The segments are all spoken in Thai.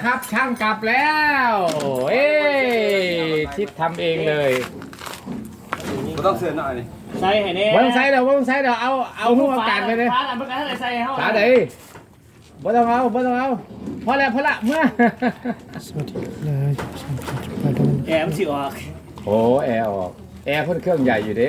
ครับช่างกลับแล้วเอ้ชิดทำเองเลยก็ต้องเสือหน่อยนี่ใส่ให้แน่วางไซด์เดี๋ยวเอาหัวการไปเลยฟ้าอันเมื่อกี้อะไรใส่ให้เขาขาเดี๋ยวบ่ต้องเอาพอแล้วเมื่อสวัสดีเลยมาดูแอมสิออกโอ้แอร์ออกแอร์พ่นเครื่องใหญ่อยู่เด้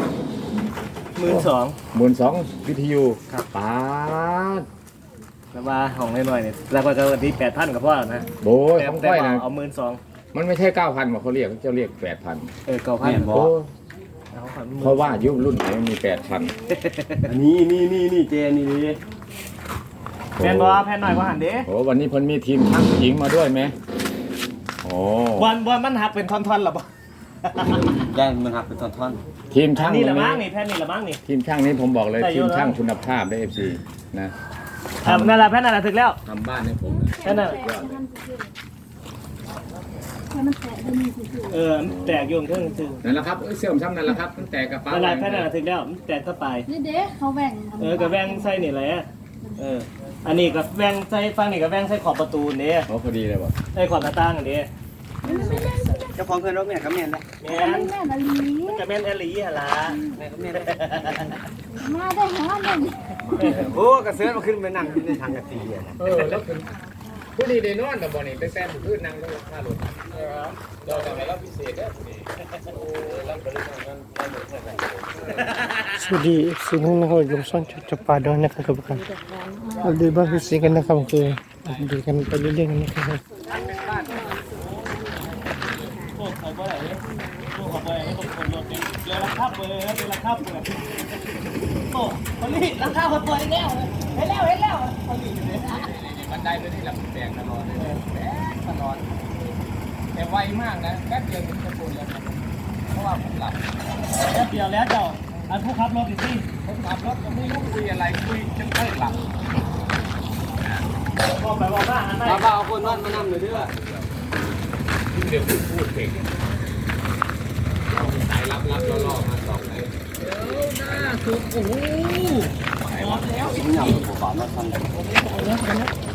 12,000 วิทยุครับป้าดแล้วมาห้องน้อยๆเนี่ยแล้วก็วันที่8,000กับพ่อนะโบยของก้อยนะเอา12,000 มันไม่ใช่ 9,000ว่าเขาเรียก8,000 9,000 โอ้เพราะว่ายุครุ่นไหนมันมี 8,000 อันนี้เจนี่ดิแผ่นบ่แผ่นหน่อยก็หันเด้โอ้วันนี้เพิ่นมีทีมช่างหญิงมาด้วยไหมโอ้บอลมันหักเป็นท่อนๆหรอปะย่านมันหักเป็นท่อนทีมช่างนี่ตละรงมั้งนี้นี่แผ่นนี่ละมั้งนี่ทีมช่างนี้ผมบอกเลยได้เยทีอะมแล้วช่างคุณภาพได้ FC นะนั่นแหละแผ่นนั่นแหละถึงแล้วทำบ้านให้ผมแผ่นนั่นสุดยอดเลยแตกโยงเครื่องถึงนั่นแหละครับเสื่อมซ้ำนั่นแหละครับตั้งแต่กระเป๋านั่นแหละแผ่นนั่นแหละถึงแล้วแตกก็ไปนี่เด้เขาแบ่งกับแวงใส่นี่แหละอันนี้กับแวงใส่ฟังนี่กับแวงใส่ขอบประตูนี่โอ้พอดีเลยว่ะใส่ขอบหน้าต่างอันนี้ๆเจ้าของเพื่อนรถแม่กับแม่นเลยแม่แม่นแม่นาลีกับแม่นแอลลี่ฮะล่ะแม่กับแม่นมาได้หาหนึ่งโอ้กระเสือมาขึ้นไปนั่งในทางกระตีอ่ะแล้วคือผู้ดีได้นอนแต่บ่นี่ไปแซมพื้นนั่งแล้วค่ารถเราทำให้เราพิเศษได้ผู้ดีโอ้รับบริการกันได้หมดเลยสวัสดีสิ่งที่เราอยู่ช่องจับปลาด้วยนะครับทุกท่านเราดูบ้างคือสิ่งกันนะครับคือดูกันไปเรื่อยๆนะครับพวกเขาบ่ได้พวกเขาบ่ได้พวกคนรถเนี่ยเรือราคาเปิดเป็นราคาเปิดโอ้คนนี้ราคาเปิดแล้วเห็นแล้วคนนี้เลยบันไดไปที่หลังแตกตลอดเลยแตกตลอดแต่ไวมากนะแป๊บเดียวถึงจะปูนแล้วครับเพราะว่าผมหลับแป๊บเดียวแล้วเจ้าอันผู้ขับรถอีกทีผมขับรถก็ไม่รู้คุยอะไรคุยจนค่อยหลับบอกไปบอกว่าอันไหนป้าเอาคนนอนมานั่งเลยเด้อเดี๋ยวพูดเก่งสายรับล่อมาสองเลยสิ่งอย่างผมบอกมาทำเลย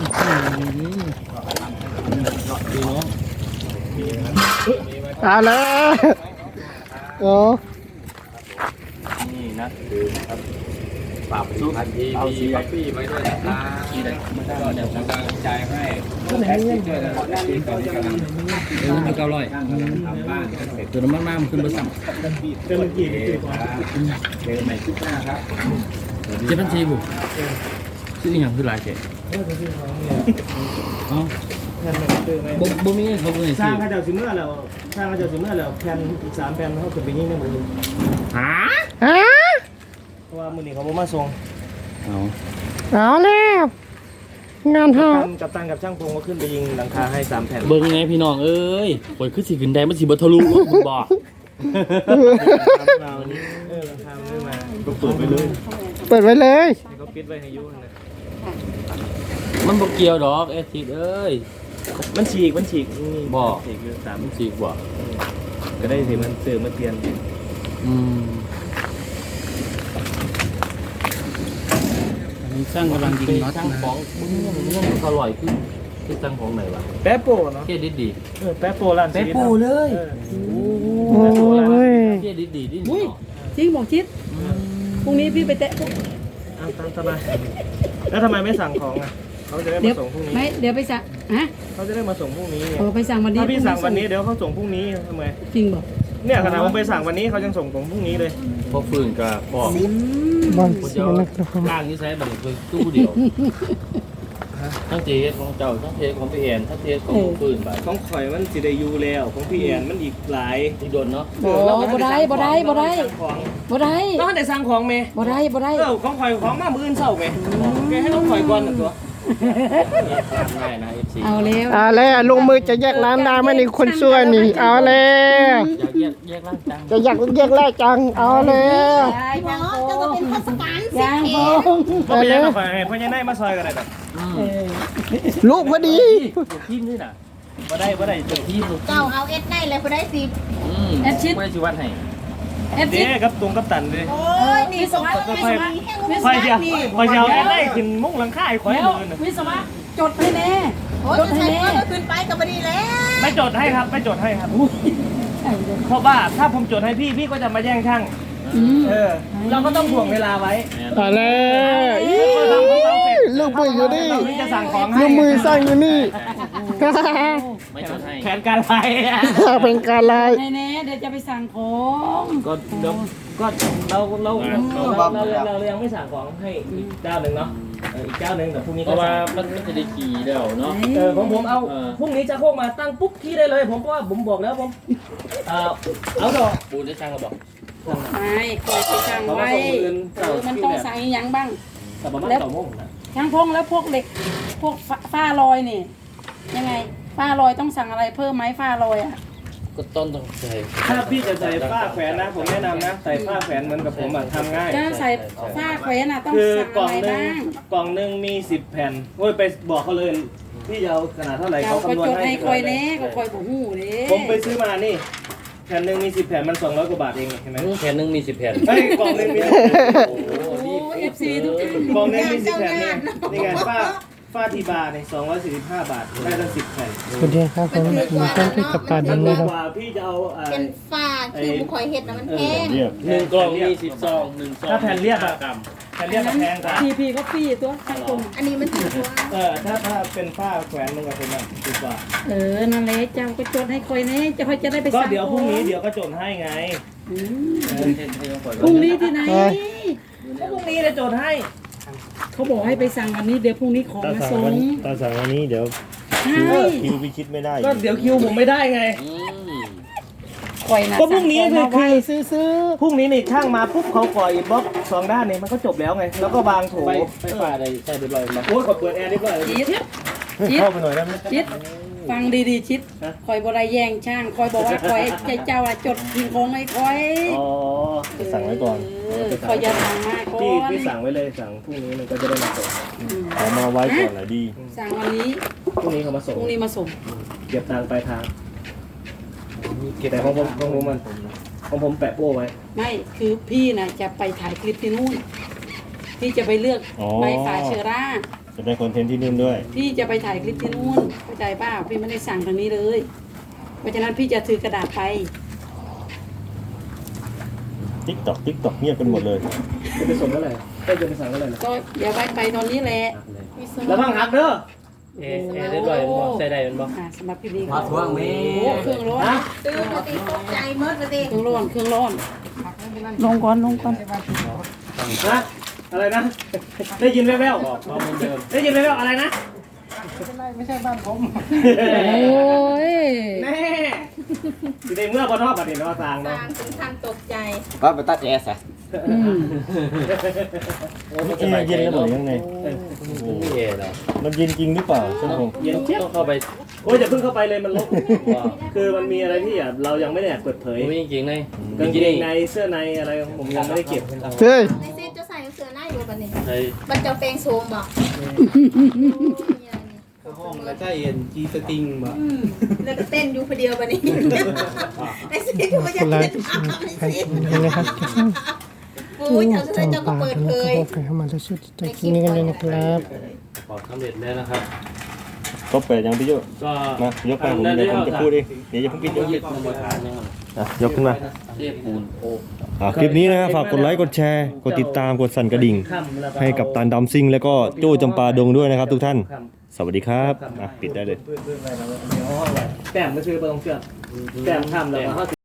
เอาแล้วโอ้นี่นะคือครับปรับซุปเอาซีบัฟฟี่ไว้ด้วยนะครับก็เดี๋ยวผมจะจ่ายให้แพ็คที่ด้วยนะครับที่ตอนนี้กำลังมัน900 ทำบ้านกันเสร็จตัวน้ำมันมากมันขึ้นไปสั่งเจอเมื่อกี้นี่คือเจอใหม่คลิปหน้าครับ 7,400บุซื้ออีหยังคือหลายแค่เอ้าแผ่นมันคือไหมบ่มีเงินเขาบ่ให้สร้าซื้งอข้าเจ้าสิเมื่อแล้วสร้างข้าเจ้าสิเมื่อแล้วแผ่นอีก3แผ่นเขาขึ้นไปยิ่งได้หมดเลยหาฮะเพราะว่ามื้อนี้เขาบ่มาส่งเอาเอาแล้วงานห้ากับตันกับช่างพงก็ขึ้นไปยิงหลังคาให้3แผ่นเบิ่งไงพี่น้องเอ้ยข่อยคือสิขึ้นได้มันสิบ่ทะลุรถมึงบ่มาวันนี้หลังคาไม่มาก็เปิดไปเลยเปิดไว้เลยให้เขาปิดไว้ให้ยุ่งนะมันบ่เกี่ยวดอกเอทิดเอ้ยมันฉีกนี่บ่ฉีกคือสามมันสิบ่ก็ได้สิมันเสื่อมมาเปลี่ยนอืมอันนี้ช่างกำลังยิงน็อตช่างของมึงเขาลอยคือช่างของไหนวะแป๊บโป้เนาะเกียดิดีแป๊บโป้ร้านแป๊บโป้เลยโอ้ยเกียดิดีนี่อุ้ยจริงบอกชิดพรุ่งนี้พี่ไปแตะพวกตามสบายแล้วทำไมไม่สั่งของอ่ะเขาจะได้เดี๋มายวส่งพรุ่งนี้ไม่เดี๋ยวไปสั่งฮะเขาจะได้มาส่งพรุ่งนี้โอ้ไปสั่งวันนี้ถ้าพี่สั่งวันนี้เดี๋ยวเขาส่งพรุ่งนี้ทำไมจริงบอกเนี่ยขนาดผมไปสั่งวันนี้เขายังส่งผมพรุ่งนี้เลยพอฟื้นก็พอบ้านสิ่งนะครับล่างนี้ใช้แบบคือตู้เดียว ทั้งเทสของเจ้าทั้งเทสของพี่แอนทั้งเทสของปืนไปของข่อยมันสิได้อยู่แล้วของพี่แอนมันอีกหลายที่โดนเนาะโอ้บ่ได้บ่ได้บ่ได้ของบ่ได้ต้องได้สั่งของเมย์บ่ได้บ่ได้ของข่อยของมามื้ออื่นเช้าเมย์แกให้ต้องข่อยก่อนน่ะตัวง่ายนะ FC เอาแล้วเอาแล้วลงมือจะแยกร้านได้ไหมนี่คนช่วยนี่เอาแล้วอยากแยกร่างจังจะอยากแยกแรกจังเอาแล้วหมอจะมาเป็นข้าราชการสิยางโบงก็ไปยังกับข่อยให้พ่อใหญ่นายมาซอยกันได้ดอกลูกพอดีทีมนี่น่ะบ่ได้ทีมลูกเจ้าเอาเอ็ดได้เลยพอได้สิไม่ได้ชิวัดให้เอฟซีเด้กับตุงกับตันเด้โอ้ยนี่ส่งมาข่อยข่อยเดียวข่อยเดียวได้ขึ้นมุ้งหลังคาให้ข่อยแล้วมื้อน่ะวิศวะจดให้แน่โอ้ยจะใช้ก็ขึ้นไปกับพอดีแล้วไม่จดให้ครับไม่จดให้ครับเพราะว่าถ้าผมจดให้พี่พี่ก็จะมาแย่งช่างเราก็ต้องถ่วงเวลาไว้อะไรอีลูกมืออยู่นี่เราถึงจะสั่งของให้ลูกมือสร้างอยู่นี่ไม่จดให้แผนการไล่เป็นการไล่แน่ๆเดี๋ยวจะไปสั่งของก็เดี๋ยวก็เรายังไม่สั่งของให้อีกเจ้าหนึ่งเนาะอีกเจ้าหนึ่งแต่พรุ่งนี้เพก็ราะว่าสั่งมันจะได้ขี่เดียวเนาะผมเอาเออพรุ่งนี้จะโคกมาตั้งปุ๊บที่ได้เลย ผมก็ว่าผมบอกแล้วผมเอาดอกปูนได้ช่างก็บอกไม่คอยไปสั่งไว้มันต้องสั่งอีหยังบ้างแต่ประมาณ2 โมงนะช่างพงแล้วพวกเหล็กพวกฝ้าลอยนี่ยังไงฝ้าลอยต้องสั่งอะไรเพิ่มไหมฝ้าลอยอ่ะก็ต้องใส่ถ้าพี่จะใส่ผ้าแขวนนะผมแนะนำนะใส่ผ้าแขวนเหมือนกับผมทำง่ายจะใส่ฝ้าแขวนอ่ะต้องคือสั่งกล่ออะงไรหนึ่งบ้างกล่องหนึ่งมี10 แผ่นโอ้ยไปบอกเขาเลยพี่จะเอาขนาดเท่าไหร่เราเขาก็คำนวณจดให้ให้คอยแน่ก็คอยบ่ฮู้เด้ผมไปซื้อมานี่แผ่นหนึ่งมี10 แผ่นมัน200 กว่าบาทเองเห็นไหมแผ่นหนึงมี10 แผ่นเฮ้ยกล่องหนึ่งมีโอ้โหโอ้เอฟซีทุกท่านกล่องหนึ่งมี10 แผ่นนี่นี่ไงฝ้าทีบาร์เนี่ย245 บาทได้ตั้ง10 แผ่นสวัสดีครับผมผมช่างที่จับปลาดมันงดีนะครับกว่าพี่จะเอาเป็นฝ้าคือบุคอยเห็ดนะมันแพง 1 กล่องมี10 ซอง1 ซองถ้าแผ่นเรียบอะกรัมแผ่นเรียบอะแพงกว่าพีก็ฟรีตัวช่างพงอันนี้มันถือว่าถ้าเป็นผ้าแขวนมันกับผมอะดีกว่านั่นแหละเจ้าก็จดให้คอยแน่จะคอยจะได้ไปก็สั่งเดี๋ยวพรุ่งนี้เดี๋ยวก็จดให้ไงอืมให้ต้องปล่อยพรุ่งนี้ที่ไหนก็พรุ่งนี้จะจดให้เขาบอกให้ไปสั่งวันนี้เดี๋ยวพรุ่งนี้ของมาส่งตาสั่งวันนี้เดี๋ยวใช่คิวพิชิตไม่ได้ก็เดี๋ยวคิวผมไม่ได้ไงอืมคอยนะก็พรุ่งนี้คือไว้ซื้อพรุ่งนี้นี่ช่างมาปุ๊บเขาก่ออินบ็อกซ์2 ด้านเนี่ยมันก็จบแล้วไง แล้วก็วางโถไฟฟ้าได้ใช้เรียบร้อยมั้ยโอ้ยกดเปิดแอร์เรียบร้อยจิตเข้าไปหน่อยได้ไหมจิตฟังดีๆจิตคอยบรายแย่งช่างคอยบอกว่าคอยเจ้าจดทิ้งของให้คอยอ๋อสั่งไว้ก่อนคอยจะสั่งมาก่อพี่นสั่งไว้เลยสั่งพรุ่งนี้มันก็จะได้มาส่งเอามาไว้ก่อนหน่อยดีสั่งวันนี้พรุ่งนี้เขามาส่งพรุ่งนี้มาส่งเก็บตังค์ปลายทางแต่ของผมแปะโป้ไว้ไม่คือพี่นะจะไปถ่ายคลิปที่นู่นพี่จะไปเลือกอ๋อใบฝาเชอร่าจะได้คอนเทนต์ที่นู่นด้วยพี่จะไปถ่ายคลิปที่นู่นเข้าใจเปล่าพี่ไม่ได้สั่งทางนี้เลย เพราะฉะนั้นพี่จะถือกระดาษไปติ๊กตอกเงียบกันหมดเลยจะไปส่งเมื่อไหร่จะไปสั่งเมื่อไหร่นะก็อย่าไปตอนนี้แหละแล้วต้องหักเด้อเอ๊ะเรียบร้อยมั้ยใส่ได้มั้ยสำหรับพี่ดีมาทวงแม่เครื่องร้อนตื่นมาตีตกใจเมื่อมาตีเครื่องร้อนเครื่องร้อนลงก่อนนะอะไรนะ ได้ยินแว่วบอกว่าเหมือนเดิมๆได้ยินแว่วๆอะไรนะโอ้ยแน่อยู่ในเมื่อบนนอกบัดนี้เนาะสร้างเนาะทางถึงทางตกใจก็ไปตัดแอสอะอืมเย็นแล้วหรือยังไงไม่เอ๋แล้วมันเย็นจริงหรือเปล่าช่างผมเย็นเจี๊ยบต้องเข้าไปโอ้ยอย่าเพิ่งเข้าไปเลยมันลบคือมันมีอะไรที่เรายังไม่ได้เปิดเผยโอ้ยจริงๆเลยกางเกงในเสื้อในอะไรผมยังไม่ได้เก็บเฮ้ยในเซตจะใส่เสื้อหน้าอยู่กันนี่ใช่บันเจ้าแปลงโซมบอกห้องแล้วใช่เย็นจีสติงบ่แล้วก็เต้นอยู่คนเดียวบันนี้ในเซตก็จะคนละเต้นตามในการเซตกินกันนะครับโอ้ยเจ้าเสื้อเจ้าก็ปลาเปิดดงเผยก็ไปเข้ามาแล้วช่วยใจคลิปนี้กันเลยนะครับขอสำเร็จแล้วนะครับก็เปิดยังพี่โยก็มายกไปผมเดี๋ยวผมจะพูดเองเดี๋ยวอย่าเพิ่งปิดยกนำมาทานนะครับยกขึ้นมาเรียกปูนโอ้คลิปนี้นะฝากกดไลค์กดแชร์กดติดตามกดสั่นกระดิ่งค่ำแล้วก็ให้กับตันดำซิงแล้วก็โจ้จำปาดงด้วยนะครับทุกท่านค่ำสวัสดีครับปิดได้เลยแต้มก็คือไปตรงเชือกแต้มค่ำแล้วก็